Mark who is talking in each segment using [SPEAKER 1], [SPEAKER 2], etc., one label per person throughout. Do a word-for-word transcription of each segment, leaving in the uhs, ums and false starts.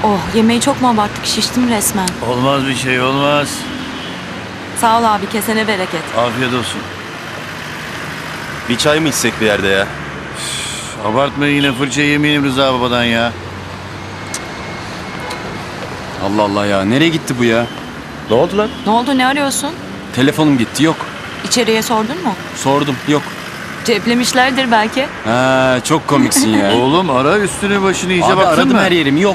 [SPEAKER 1] Oh, yemeği çok mu abarttık, şiştim resmen.
[SPEAKER 2] Olmaz bir şey olmaz.
[SPEAKER 1] Sağ ol abi, kesene bereket.
[SPEAKER 2] Afiyet olsun.
[SPEAKER 3] Bir çay mı içsek bir yerde ya?
[SPEAKER 2] Üf, abartma yine fırça yemeyelim Rıza babadan ya.
[SPEAKER 4] Allah Allah ya. Nereye gitti bu ya?
[SPEAKER 3] Ne oldu lan?
[SPEAKER 1] Ne oldu, ne arıyorsun?
[SPEAKER 4] Telefonum gitti. Yok.
[SPEAKER 1] İçeriye sordun mu?
[SPEAKER 4] Sordum. Yok.
[SPEAKER 1] Ceplemişlerdir belki.
[SPEAKER 4] Ha, çok komiksin ya.
[SPEAKER 2] Oğlum ara üstünü başını iyice
[SPEAKER 4] Abi
[SPEAKER 2] baktın
[SPEAKER 4] aradım
[SPEAKER 2] mı?
[SPEAKER 4] her yerim. Yok.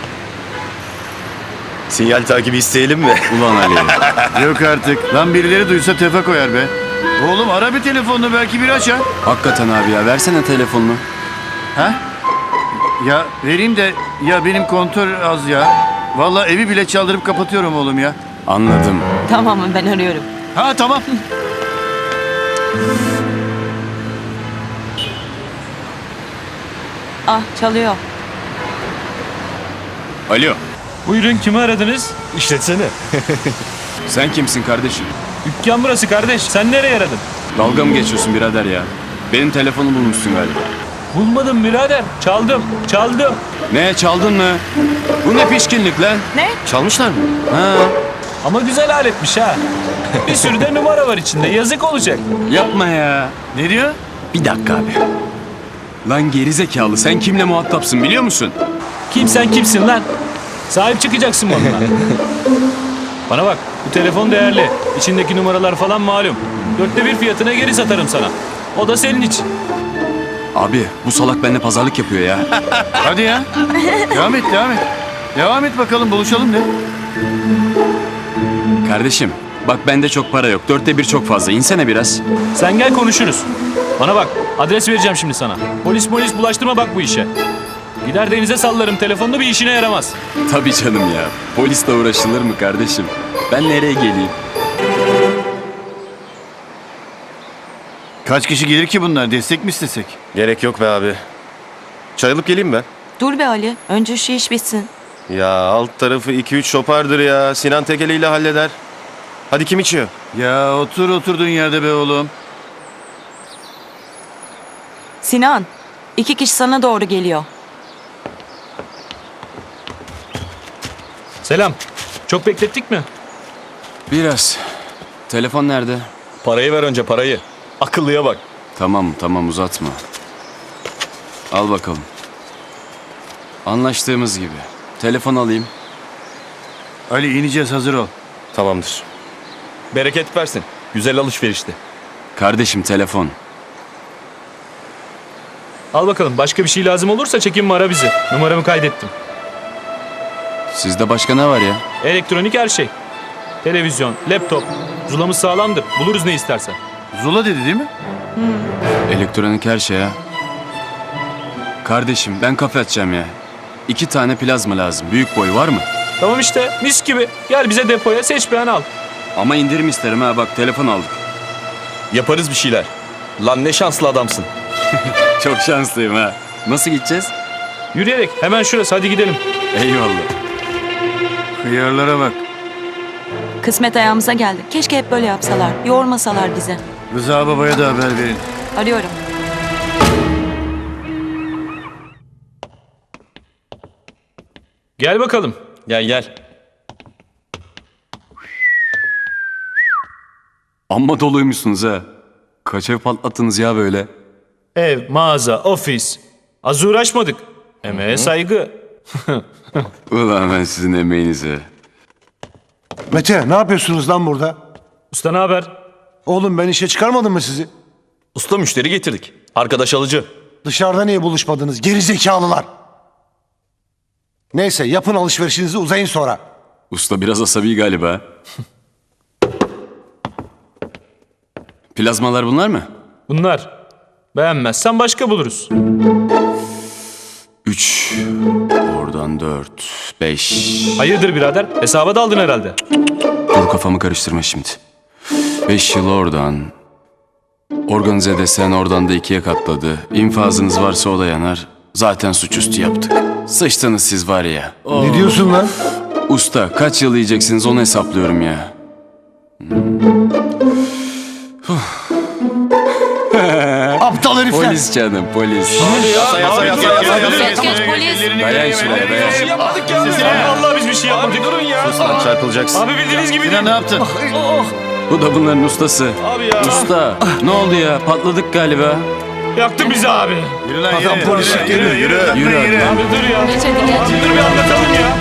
[SPEAKER 3] Sinyal takibi isteyelim mi?
[SPEAKER 4] Ulan Ali.
[SPEAKER 2] Yok artık. Lan birileri duysa tefe koyar be. Oğlum ara bir telefonunu belki bir açar.
[SPEAKER 4] Hakikaten abi ya. Versene telefonunu.
[SPEAKER 2] Ha? Ya vereyim de ya benim kontör az ya. Vallahi evi bile çaldırıp kapatıyorum oğlum ya.
[SPEAKER 4] Anladım.
[SPEAKER 1] Tamam, ben arıyorum.
[SPEAKER 2] Ha tamam.
[SPEAKER 1] Ah, çalıyor.
[SPEAKER 4] Alo.
[SPEAKER 5] Buyurun, kimi aradınız?
[SPEAKER 3] İşletsene.
[SPEAKER 4] Sen kimsin kardeşim?
[SPEAKER 5] Dükkan burası kardeş. Sen nereye aradın?
[SPEAKER 4] Dalga mı geçiyorsun birader ya? Benim telefonu bulmuşsun galiba.
[SPEAKER 5] Bulmadım birader. Çaldım. Çaldım.
[SPEAKER 4] Ne, çaldın mı? Bu ne pişkinlik lan?
[SPEAKER 1] Ne?
[SPEAKER 3] Çalmışlar mı?
[SPEAKER 4] Ha,
[SPEAKER 5] Ama güzel aletmiş ha. Bir sürü de numara var içinde. Yazık olacak.
[SPEAKER 4] yapma ya.
[SPEAKER 2] Ne diyor?
[SPEAKER 4] Bir dakika abi. Lan gerizekalı, sen kimle muhatapsın biliyor musun?
[SPEAKER 5] Kim sen kimsin lan? Sahip çıkacaksın bana. Bana bak, bu telefon değerli. İçindeki numaralar falan malum. Dörtte bir fiyatına geri satarım sana. O da senin için.
[SPEAKER 4] Abi bu salak benimle pazarlık yapıyor ya.
[SPEAKER 2] Hadi ya. Devam et devam et. Devam et bakalım buluşalım de.
[SPEAKER 4] Kardeşim bak bende çok para yok. Dörtte bir çok fazla. İnsene biraz.
[SPEAKER 5] Sen gel konuşuruz. Bana bak, adres vereceğim şimdi sana. Polis polis bulaştırma bak bu işe. Gider denize sallarım telefonunu, bir işine yaramaz.
[SPEAKER 4] Tabii canım ya. Polisle uğraşılır mı kardeşim? Ben nereye geleyim?
[SPEAKER 2] Kaç kişi gelir ki bunlar? Destek mi istesek?
[SPEAKER 3] Gerek yok be abi. Çay alıp geleyim ben.
[SPEAKER 1] Dur be Ali, önce şu iş bitsin.
[SPEAKER 3] Ya alt tarafı iki üç şopardır ya. Sinan tekeliyle halleder. Hadi kim içiyor?
[SPEAKER 2] Ya otur oturduğun yerde be oğlum.
[SPEAKER 1] Sinan, iki kişi sana doğru geliyor.
[SPEAKER 5] Selam. Çok beklettik mi?
[SPEAKER 4] Biraz. Telefon nerede?
[SPEAKER 3] Parayı ver önce parayı. Akıllıya bak.
[SPEAKER 4] Tamam tamam uzatma. Al bakalım. Anlaştığımız gibi. Telefon alayım.
[SPEAKER 2] Ali ineceğiz hazır ol.
[SPEAKER 3] Tamamdır. Bereket versin. Güzel alışverişti.
[SPEAKER 4] Kardeşim telefon.
[SPEAKER 5] Al bakalım. Başka bir şey lazım olursa çekinme, ara bizi. Numaramı kaydettim.
[SPEAKER 4] Sizde başka ne var ya?
[SPEAKER 5] Elektronik her şey. Televizyon, laptop. Zulamız sağlamdır. Buluruz ne istersen.
[SPEAKER 2] Zula dedi değil mi?
[SPEAKER 4] Elektronik her şey ha. Kardeşim ben kafe açacağım ya. İki tane plazma lazım. Büyük boy var mı?
[SPEAKER 5] Tamam işte, mis gibi. Gel bize depoya, seç beğen al.
[SPEAKER 4] Ama indirim isterim ha, bak telefon aldık.
[SPEAKER 3] Yaparız bir şeyler. Lan ne şanslı adamsın.
[SPEAKER 4] Çok şanslıyım ha. Nasıl gideceğiz?
[SPEAKER 5] Yürüyerek, hemen şurası, hadi gidelim.
[SPEAKER 4] Eyvallah.
[SPEAKER 2] Hıyarlara bak.
[SPEAKER 1] Kısmet ayağımıza geldi. Keşke hep böyle yapsalar, yormasalar bizi.
[SPEAKER 2] Rıza babaya da haber verin.
[SPEAKER 1] Arıyorum.
[SPEAKER 5] Gel bakalım.
[SPEAKER 3] Gel gel.
[SPEAKER 4] Amma doluymuşsunuz ha. Kaç ev patlattınız ya böyle?
[SPEAKER 5] Ev, mağaza, ofis. Az uğraşmadık. Emeğe saygı.
[SPEAKER 4] Ulan ben sizin emeğinize.
[SPEAKER 6] Mete ne yapıyorsunuz lan burada?
[SPEAKER 5] Usta ne haber?
[SPEAKER 6] Oğlum ben işe çıkarmadım mı sizi?
[SPEAKER 3] Usta müşteri getirdik. Arkadaş alıcı.
[SPEAKER 6] Dışarıda niye buluşmadınız geri zekalılar? Neyse yapın alışverişinizi, uzayın sonra.
[SPEAKER 4] Usta biraz asabi galiba. Plazmalar bunlar mı?
[SPEAKER 5] Bunlar. Beğenmezsen başka buluruz.
[SPEAKER 4] Üç. Oradan dört. Beş.
[SPEAKER 5] Hayırdır birader? Hesaba daldın herhalde.
[SPEAKER 4] Dur kafamı karıştırma şimdi. Beş yıl oradan. Organize desen oradan da ikiye katladı. İnfazınız varsa o da yanar. Zaten suçüstü yaptık. Sıçtınız siz var ya.
[SPEAKER 6] Ne diyorsun lan?
[SPEAKER 4] Usta kaç yıl yiyeceksiniz onu hesaplıyorum ya.
[SPEAKER 6] Aptal herifler.
[SPEAKER 4] Polis canım polis.
[SPEAKER 3] Yasa yasa yasa yasa yasa.
[SPEAKER 1] Geç geç Polis.
[SPEAKER 2] ellerini
[SPEAKER 4] Dayan
[SPEAKER 2] göreyim,
[SPEAKER 4] şuraya,
[SPEAKER 2] ellerini
[SPEAKER 4] dayan.
[SPEAKER 2] göreyim.
[SPEAKER 5] Yapmadık ya.
[SPEAKER 2] Sinan,
[SPEAKER 5] Vallahi biz bir şey yapmadık. Durun ya.
[SPEAKER 3] Sus lan çarpılacaksın.
[SPEAKER 5] Abi bildiğiniz gibi
[SPEAKER 2] Sinan ne
[SPEAKER 5] değil.
[SPEAKER 2] yaptın?
[SPEAKER 4] Bu da bunların ustası.
[SPEAKER 5] Abi ya.
[SPEAKER 4] Usta ne oldu ya? Patladık galiba.
[SPEAKER 5] Yaktın bizi abi.
[SPEAKER 2] Yürü lan yürü.
[SPEAKER 6] Adam polis
[SPEAKER 2] yürü,
[SPEAKER 6] geliyor,
[SPEAKER 2] yürü,
[SPEAKER 6] yürü.
[SPEAKER 2] yürü,
[SPEAKER 4] Yürü
[SPEAKER 2] yürü.
[SPEAKER 4] hadi.
[SPEAKER 5] Abi dur ya.
[SPEAKER 1] Geç hadi geç.
[SPEAKER 5] Abi dur bir anlatalım ya.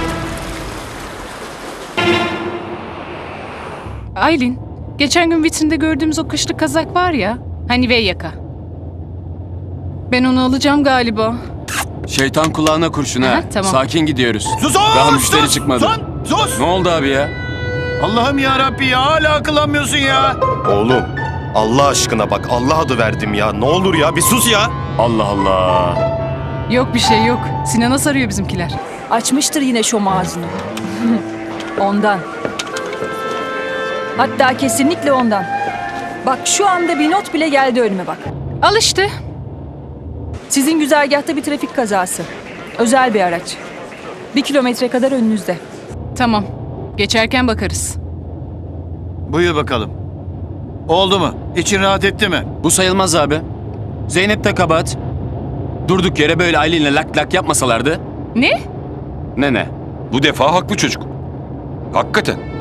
[SPEAKER 7] Aylin, geçen gün vitrinde gördüğümüz o kışlık kazak var ya, hani V yaka. Ben onu alacağım galiba.
[SPEAKER 4] Şeytan kulağına kurşun ha.
[SPEAKER 7] Aha, tamam.
[SPEAKER 4] Sakin gidiyoruz.
[SPEAKER 2] Sus
[SPEAKER 4] Daha
[SPEAKER 2] sus,
[SPEAKER 4] müşteri
[SPEAKER 2] sus,
[SPEAKER 4] çıkmadı.
[SPEAKER 2] Sus sus.
[SPEAKER 4] Ne oldu abi ya?
[SPEAKER 2] Allah'ım ya Rabbi ya hala akıllanmıyorsun ya.
[SPEAKER 3] Oğlum Allah aşkına bak Allah adı verdim ya. Ne olur ya bir sus ya.
[SPEAKER 4] Allah Allah.
[SPEAKER 7] Yok bir şey yok. Sinan'a sarıyor bizimkiler.
[SPEAKER 8] Açmıştır yine şom ağzını. Ondan. Hatta kesinlikle ondan. Bak şu anda bir not bile geldi önüme bak.
[SPEAKER 7] Al işte.
[SPEAKER 8] Sizin güzergahta bir trafik kazası. Özel bir araç. Bir kilometre kadar önünüzde.
[SPEAKER 7] Tamam. Geçerken bakarız.
[SPEAKER 2] Buyur bakalım. Oldu mu? İçin rahat etti mi?
[SPEAKER 4] Bu sayılmaz abi. Zeynep de kabahat. Durduk yere böyle Aylin'le lak lak yapmasalardı.
[SPEAKER 7] Ne?
[SPEAKER 4] Ne ne?
[SPEAKER 9] Bu defa haklı çocuk. Hakikaten.